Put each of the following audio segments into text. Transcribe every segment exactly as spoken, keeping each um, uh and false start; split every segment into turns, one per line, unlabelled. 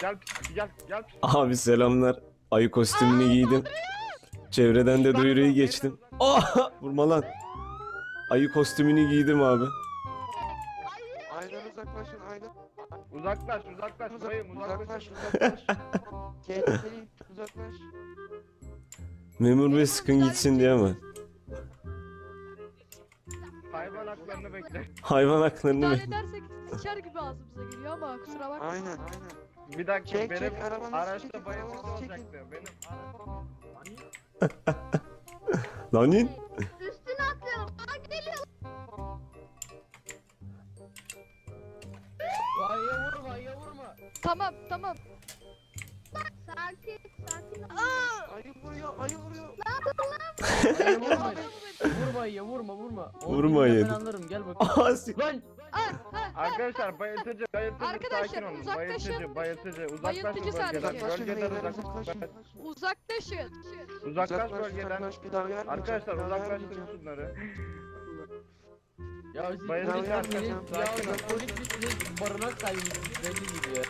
Gel gel gel.
Abi selamlar. Ayı kostümünü giydim. Çevreden de duyuruyu geçtim. Ah! Vurma lan. Ayı kostümünü giydim abi.
Aydan uzaklaşın aydan.
Uzaklaş uzaklaş bayım
Uzaklaş
uzaklaş.
uzaklaş. Tehlikeli uzaklaş.
Memur bey sıkın gitsin diye ama.
Hayvan haklarını bekle.
Hayvan haklarını
İdare
mı?
edersek sıçar gibi ağzımıza geliyor ama kusura bakma.
Aynen aynen.
Bir dakika
Çek,
benim
çek, arabanızı
araçta
çekin,
bayıltıcı
arabanızı çekin.
olacaktı. Benim
Lan in.
Üstüne atlıyorum. Aa geliyor.
Ayıya vurma, ayıya vurma.
Tamam tamam.
Sakin sakin ol.
Ayı vuruyor ayı vuruyor.
Ayıya vurma. Vurma ayıya, vurma, vurma. Onu
Vurma
bilmem,
ayıya.
Ben anlarım, gel bak.
Aa, si-
Lan!
Ah, ah,
arkadaşlar bayıltıcı bayıltıcı
Arkadaşlar,
sakin olun.
uzaklaşın.
Bayıltıcı bayıltıcı uzaklaşın
Bayıltıcı
bölgeden.
sadece.
Uzaklaşın
Bölgeden
beyler
uzaklaş.
uzaklaşın.
uzaklaşın.
Uzaklaş bölgeden.
uzaklaş, bir daha vermeyeceğim,
Arkadaşlar
bir daha
uzaklaştırın
vermeyeceğim.
şunları.
Ya siz
Bayıltıcı
polis
sakin
misiniz?
ol,
Ya
sakin ol.
siz polis misiniz? Barınak sahibiysiniz belli gibi ya.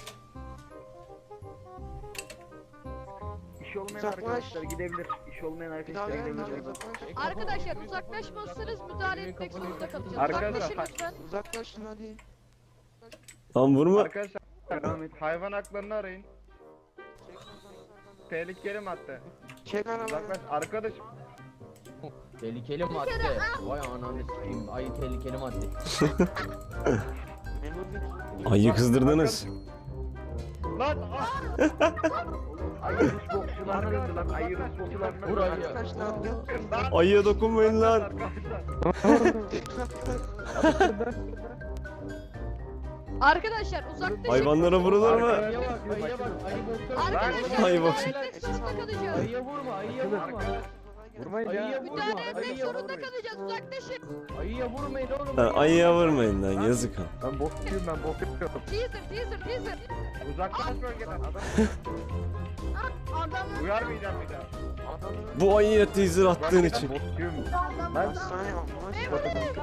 İş olmayan
Uzaklaş.
arkadaşlar gidebilir. İş olmayan
Bir daha
arkadaşlar
vermeyeceğim
gidebilir.
uzaklaş.
Arkadaşlar uzaklaşmazsanız müdahale etmek zorunda kalacağız.
Arkadaşlar,
Uzaklaşın lütfen.
Uzaklaşın hadi.
Lan vurma.
Arkadaşlar
Devam et.
hayvan haklarını arayın. Tehlikeli madde.
Çek arabayı.
Uzaklaş arkadaşım.
Tehlikeli madde. Vay ananı s**eyim. Ayı tehlikeli madde.
Memur bey.
Ayı kızdırdınız.
Lan ah!
Ayı Rus bokçularına döndü lan. Ayı Rus bokçularına
Vur
döndü.
ayıya.
Arkadaşlar gel.
Lan!
Ayıya dokunmayın lan.
Arkadaşlar.
Arkadaşlar uzaklaşın.
Hayvanlara vurulur mu?
Ayıya bak, ayıya bak. Ayı boksör.
Arkadaşlar
Ayı bak.
müdahale etmek zorunda kalacağız.
Ayıya vurma, ayıya vurma.
Vurmayın
Ayıya
ya.
vurma,
Müdahale etmek
ayıya
zorunda
vurmayın.
kalacağız. Uzaklaşın.
Ayıya vurmayın oğlum.
Lan ayıya vurmayın lan yazık ha.
Ben bokçuyum ben bokçuyum.
Teaser teaser teaser.
Uzaklaş bölgeden adam.
Adamın
Uyarmayacağım bir daha.
Bu ayıya teaser attığın için.
Bokçuyum.
Ben sana yapmam.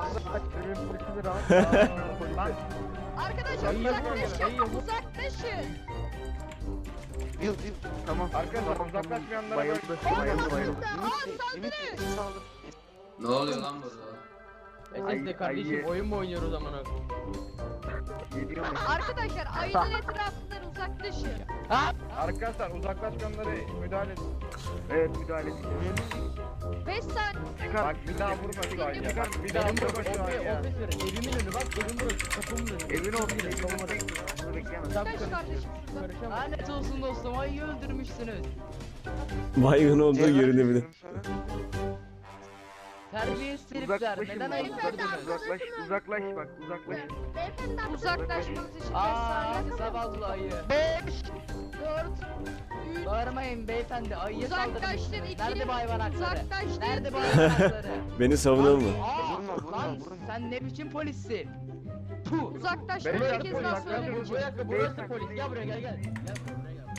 Lan
Arkadaşlar
Ayıya vurma,
uzaklaşın.
ayıya vur.
Uzaklaşın.
Yıl yıl.
Tamam.
arkadaşlar uzaklaşmayanlara
Bayıldı. Bayıldı bayıldı.
Ümit Bey, Ümit Bey sağlık.
Ne oluyor lan burada?
E siz de
Ay-
kardeşim
ayı-
oyun mu oynuyoruz amına?
Geliyor mu?
Arkadaşlar ayının etrafından uzaklaşın.
Arkadaşlar uzaklaşmayanlara müdahale edin.
Evet müdahale edin.
beş saniye.
Bak bir daha vurma şu ayıya. Bak bir daha
Benim
vurma
burası,
şu
ofis,
ayıya.
ofis verin. Evimin önü bak, evim burası, kapımın önü.
Evin olsun.
Girin,
Evin
savunma.
olsun. Bunu bekleyemez.
Tam
Kaç kardeşim şurada.
karışamam. Lanet olsun dostum, ayıyı öldürmüşsünüz.
Baygın olduğu
Cevap
görünebilir.
veriyorum sana.
Terbiyesiz herifler,
Uzaklaşın.
neden ayı
Uzaklaş.
öldürdünüz?
Uzaklaş. Uzaklaş bak. Uzaklaş.
beyefendi
Uzaklaşmanız için beş
Aaa,
saniye.
zavallı ayı.
beş, dört, üç,
Bağırmayın beyefendi, ayıya
uzaklaştın
saldırmışsınız.
iki,
Nerede bu hayvan hakları?
uzaklaştın.
Nerede bu hayvan hakları?
Beni savunur mu?
Aa,
Vurma, vurma,
lan
vurma.
sen ne biçim polissin? Puh.
Uzaklaştın.
Beyler,
Bir kez daha
uzaklaşın.
Gel
söylemeyeceğim.
buraya, burası polis. Gel buraya, gel gel. Gel buraya gel.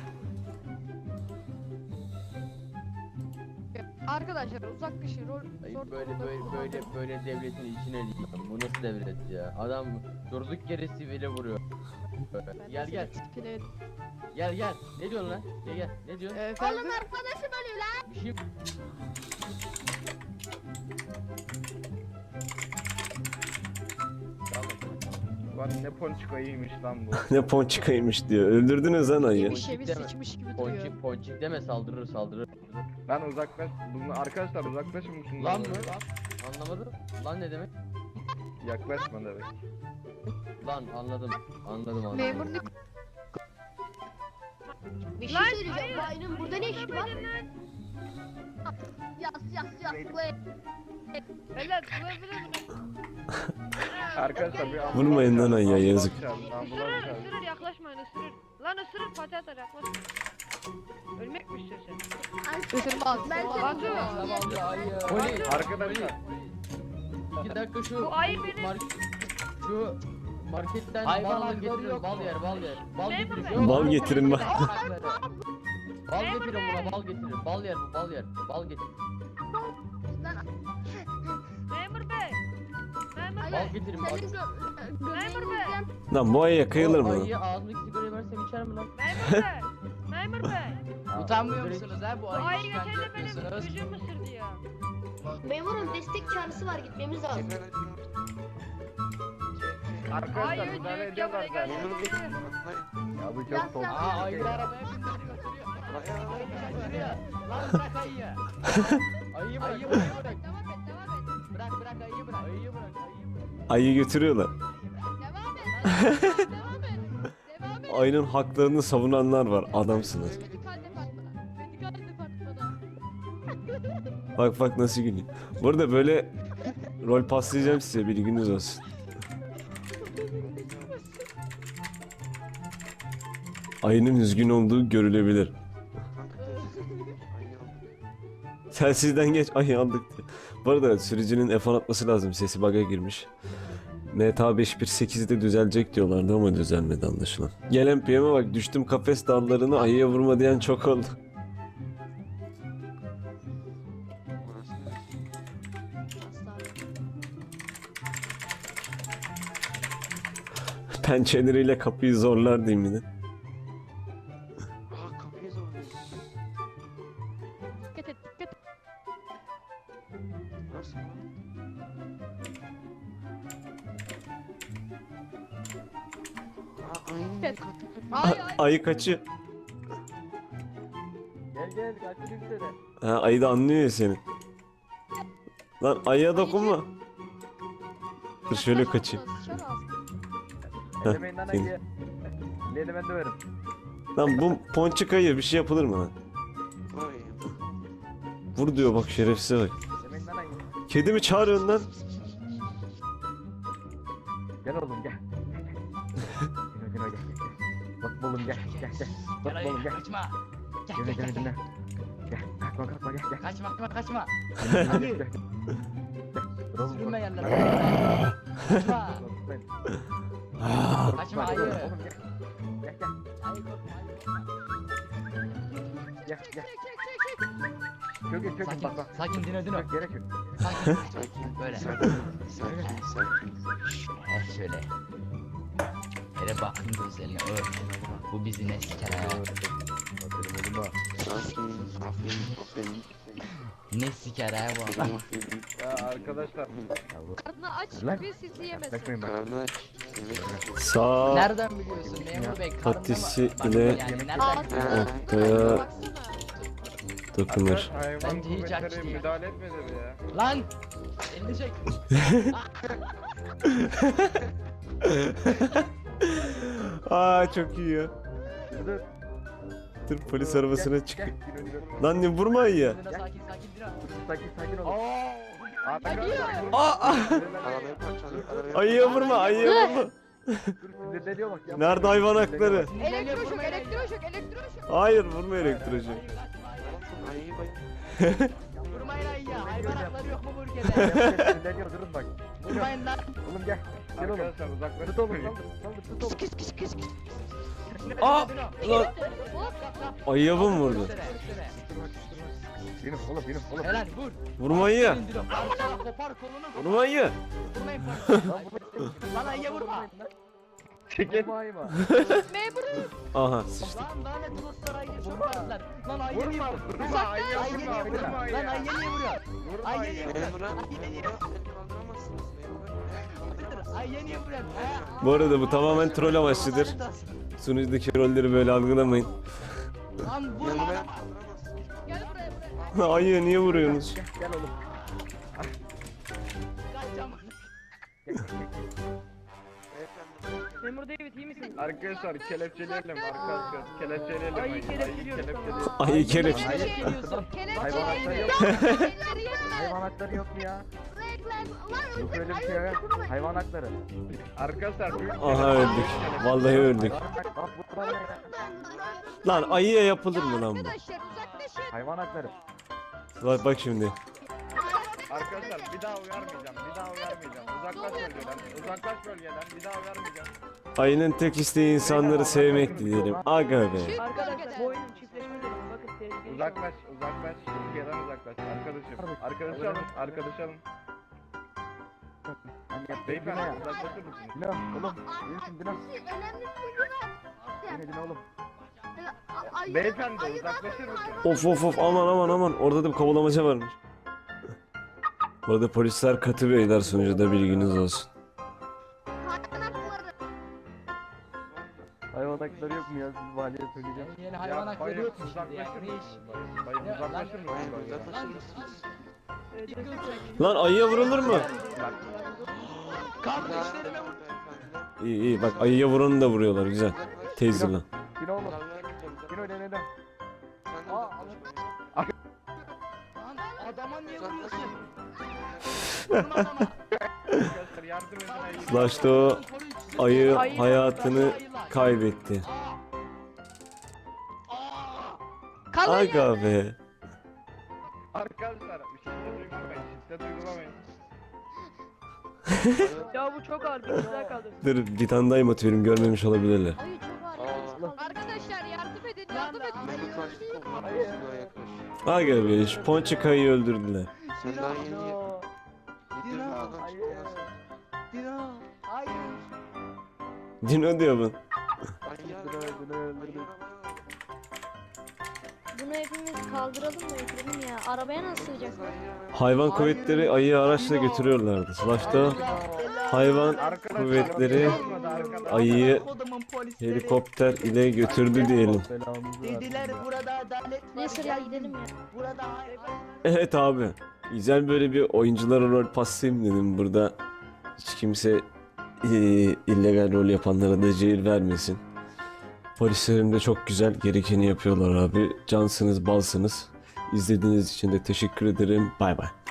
Arkadaşlar uzaklaşın. Rol,
Ay
zor
böyle
durumda
böyle
kullanmayın.
böyle böyle devletin içine değil. Bu nasıl devlet ya? Adam durduk yere sivile vuruyor.
Ben
Gel
de
gel
seni tipine-
gel gel. Ne diyorsun lan? Gel gel. Ne diyorsun?
Efendim?
Oğlum arkadaşım ölüyor lan.
Bir şey
Lan ne ponçik ayıymış lan bu.
Ne ponçikaymış diyor. Öldürdünüz lan ayıyı.
Yemiş yemiş
Deme.
sıçmış gibi duruyor.
ponçik ponçik deme, saldırır saldırır.
Lan uzaklaş. Bunu arkadaşlar uzaklaşın mı şundan?
Lan mı? Anlamadım. Lan ne demek?
Yaklaşma demek.
Lan anladım. Anladım anladım.
Memurluk
Bir şey söyleyeceğim. Bayının burada ne işi var? Yas yas yas.
Arkadaşlar bir ambulans
Vurmayın lan
çağırın,
ayıya,
ambulans
yazık.
çağırın, ambulans
Isırır,
çağırın.
ısırır, yaklaşmayın, ısırır. Lan ısırır, pati atar, yaklaşmayın. Ölmek mi istiyorsun?
ısırmaz.
Ben
ısırmaz.
seni
Zavallı ayı.
Polis.
Arkadaşlar
İki dakika şu
Bu ayı benim.
mark şu marketten
Hayvan
bal alın
hakları
getirin,
yok
bal
mu?
yer, bal yer. Bal
Memur
getirin.
bey.
Şu
Bal getirin bak.
Bal
Memur
getirin buna, bal getirin. Bal yer bu, bal yer. Bal getirin.
Memur bey. Memur
Bal
bey.
getirin bal.
Senin gö-
Memur bey.
göbeğinizden
Lan bu ayıya kıyılır
O
mı?
ayıyı ağzındaki sigarayı versene. versem içer mi lan?
Memur bey. Memur bey.
Utanmıyor musunuz ha bu
Bu
ayı
ayı
işkence
geçen de benim
yapıyorsunuz?
çocuğum ısırdı ya.
Memurum destek çağrısı var gitmemiz lazım.
Arkadaşlar
Ayı
müdahale
öldü.
ediyorlar
Gel
zaten.
buraya
Memur
gel.
bey.
Ya bu
Lan
çok soğuk.
sen-
Aa ayıyı arabaya bindiriyor götürüyor. Ayıyı götürüyor. Lan bırak ayıyı. Ayıyı bırak. Ayıyı bırak.
Devam et devam et.
Bırak bırak ayıyı bırak. Ayıyı bırak. Ayıyı bırak.
Ayı götürüyorlar.
Devam et. Devam et. Devam et.
Ayının haklarını savunanlar var. Adamsınız.
Medikal departmana. Medikal departmana.
Bak bak nasıl gülüyor. Bu arada böyle rol paslayacağım size, bilginiz olsun. Ayının üzgün olduğu görülebilir. Telsizden geç ayı aldık diye. Bu arada sürücünün F on atması lazım, sesi bug'a girmiş. M T A beş bir sekizde düzelecek diyorlardı ama düzelmedi anlaşılan. Gelen P M'e bak, düştüm kafes dallarını ayıya vurma diyen çok oldu. Pençeleriyle kapıyı zorlar diyeyim yine.
Aa kapıyı zorluyor.
Dikkat et dikkat et.
Nasıl lan? Aa ayının
Evet.
katı.
Ay ay.
Ayı kaçıyor.
Gel gel kaçırayım seni.
Ha, ayı da anlıyor ya seni. Lan ayıya dokunma. Dur şöyle kaçayım.
Sıçar ağzına.
Heh,
Elemeyin lan
seni.
ayı. Elini ben döverim.
Lan bu ponçik ayı bir şey yapılır mı lan?
Vay.
Vur diyor bak, şerefsize bak.
Elemeyin lan ayı.
Kedi mi çağırıyorsun lan?
Gel oğlum gel. Dino Dino gel. gel. Bak oğlum gel gel gel. Bak oğlum gel.
Kaçma. Gel
Dino
gel
Dino
gel.
Dino. Gel kalkma kalkma gel gel.
Kaçma kaçma kaçma.
Gel, gel,
Hayır.
gel. Dur oğlum,
Sürünme
bak.
yerlere. Kaçma.
Korkmayın.
Kaçma
Korkma,
ayı.
Oğlum gel. Gel gel.
Ayı korkma ayı korkma.
Gel
Çek
gel.
çek çek çek çek.
Çökün çökün
Sakin
bak bak.
sakin dino dino.
Çök yere çök.
Sakin.
Sakin.
Böyle.
Sakin. Sakin. Sakin.
He şöyle. Hele bakın gözlerine öf. Bu bizi ne siker ha?
Aferin oğlum ha.
Sakin. Aferin. Aferin.
Ne siker ha bu adam?
Aferin.
Ya arkadaşlar.
Karnını aç
Lan.
bir sizi yemesin.
Yaklaşmayın bak.
Karnı aç. Evet.
Sağ
Nereden biliyorsun memur bey? Karnına
patisi
mı- Bak,
ile
yani nereden?
Ağzına
ortaya
baksana.
dokunur.
Hayvan
Bence hiç
kuvvetleri
açtı ya.
müdahale etmedi mi ya?
Lan! Elini çek.
Aa çok iyi ya.
Dur.
Dur polis arabasına çık.
Gel, gel, gel, gel.
Lan ne vurma ayıya.
Dino sakin sakin dino.
Sakin sakin ol.
Oo!
Arkadaşlar.
Aa, aa.
Arabayı parçalıyor. Arabayı
Ayıya vurma, ayıya vurma.
Dur sinirleniyor bak. yapma.
Nerede hayvan hakları?
Elektroşok elektroşok elektroşok.
Hayır, vurma elektrocu.
Ayıyı bay.
Vurmayın ayıya. Hayvan hakları yok mu bu ülkede?
Sinirleniyor durun bak.
Vurmayın lan.
Oğlum gel. Gel oğlum. Arkadaşlar uzakları tut oğlum. Saldır saldır tut oğlum.
Aa!
Dino.
Lan ayıya mı vurdu?
Üstüne, üstüne.
Benim oğlum benim oğlum.
Helal vur.
Vurma ayıya.
Dino. Parçala, kopar kolunu.
Vurma ayıya.
Vurmayın parçala. Lan ayıya vurma.
Çekil. Vurma.
Memurum.
Aha sıçtık.
Lan lanet olsun ayıya sokmadılar. Lan ayıya niye
Vurma.
vuruyor?
Vurma. Ayıya
Ayıya
vurma.
niye vuruyor?
Vurma
Lan
ayıya.
ayıya niye vuruyor?
Vurma
Ayıya niye
ayıya.
vuruyor?
Memur abi.
Ayıya niye
Memur abi. Beni kaldıramazsınız. Memur abi.
Ayıya niye vuruyor? Ha?
Bu arada bu tamamen troll amaçlıdır.
Lanet olsun.
Sunucudaki rolleri böyle algılamayın.
Lan vurma.
Memur abi.
lan.
kaldıramazsınız.
Gel buraya buraya.
Ayıya niye vuruyorsunuz?
Gel, gel oğlum.
Kaçacağım.
Beyefendi.
Memur David iyi misin?
Arkadaşlar kelepçeleyelim arkadaşlar. Kelepçeleyelim
Ayı
ayıyı.
kelepçeliyoruz,
kelepçeleyelim.
Ayı kelepçe.
Ayı
Kelepçeliyorsun.
Hayvan hakları
Kelepçeyi
yok.
Elleri yeme.
Hayvan hakları yok mu ya?
Lan
Yok öyle bir şey ya. Hayvan hakları. Arkadaşlar büyük
Aha öldük. Vallahi öldük.
Bak bu var ya.
Lan ayıya yapılır mı lan bu?
Arkadaşlar uzaklaşın.
Hayvan hakları.
Bak bak şimdi.
Arkadaşlar bir daha uyarmayacağım. Bir daha uyarmayacağım. Uzaklaş bölgeden. Uzaklaş bölgeden. Bir daha uyarmayacağım.
Ayının tek isteği insanları sevmek diyelim. Aga be.
Çık
Arkadaşlar
bölgeden.
bu oyunun çiftleşmesi. Bakın tehlikeli.
Uzaklaş, uzaklaş. Türkiye'den uzaklaş. Arkadaşım. Arkadaşı alın, arkadaşı alın. Beyefendi uzaklaşır mısınız? Dino, oğlum, iyi misin Dino?
Önemli bir bilgi var.
Dinle dinle oğlum.
A- ayı-
Beyefendi
ayı
uzaklaşır
zaten
mısınız?
Of of of aman aman aman orada da bir kovalamaca varmış. Bu arada polisler katı beyler sunucuda bilginiz olsun.
hayvan hakları.
Hayvan hakları yok mu ya? Siz valiye söyleyeceğim.
Yani hayvan
Ya
hakları
bayım,
yok mu şimdi ya?
uzaklaşır
Ne iş?
mısınız? Bayım
Ya,
uzaklaşır mısınız?
Bayım
bölgeden?
uzaklaşır mısınız?
Lan ayıya vurulur mu?
Bak,
Kardeşlerime vur.
Beyefendi.
İyi iyi bak ayıya vuranı da vuruyorlar güzel.
Uzaklaş.
Taser'la.
Yine oğlum.
Zarar vermeyeceğim.
Yine öyle neden?
Sen de
Aa,
uzaklaş.
Lan adama niye
Uzaklaş.
vuruyorsun? Vurma adama.
arkadaşlar yardım edin ayıyı.
Başta o ayı
Ayı-
hayatını kaybetti.
Kalın
Aga be.
Arkadaşlar şiddet uygulamayın. Şiddet uygulamayın.
Ya bu çok ağır bir güzel kaldı.
Dur bir tane daha emote verim görmemiş olabilirler.
Ayı çok ağır.
Aa.
Arkadaşlar yardım edin yardım edin.
Mehmet Akif toplanmış. Yaklaş.
Aga be şu ponçik ayıyı öldürdüler.
Sen daha yeni yedirdin
Dino.
adam
Hayır.
çıktı ya sen.
Dino. Hayır.
Dino diyor bu.
Ayı
Dino öldürdü öldürdü.
Bunu hepimiz kaldıralım mı Ekrem'im ya? Arabaya nasıl sığacak?
Hayvan kuvvetleri ayıyı araçla götürüyorlardı. Slash'ta hayvan
Arkadaşlar
kuvvetleri
olmadı arkadaşlar.
ayıyı
Kodumun polisleri.
helikopter ile götürdü diyelim.
Belamızı versin.
Dediler burada adalet var.
Neyse ya gidelim ya.
Burada hayvan.
Evet abi. Güzel böyle bir oyunculara rol paslayayım dedim. Burada hiç kimse eee, illegal rol yapanlara da cehir vermesin. Polislerim de çok güzel gerekeni yapıyorlar abi. Cansınız, balsınız. İzlediğiniz için de teşekkür ederim. Bay bay.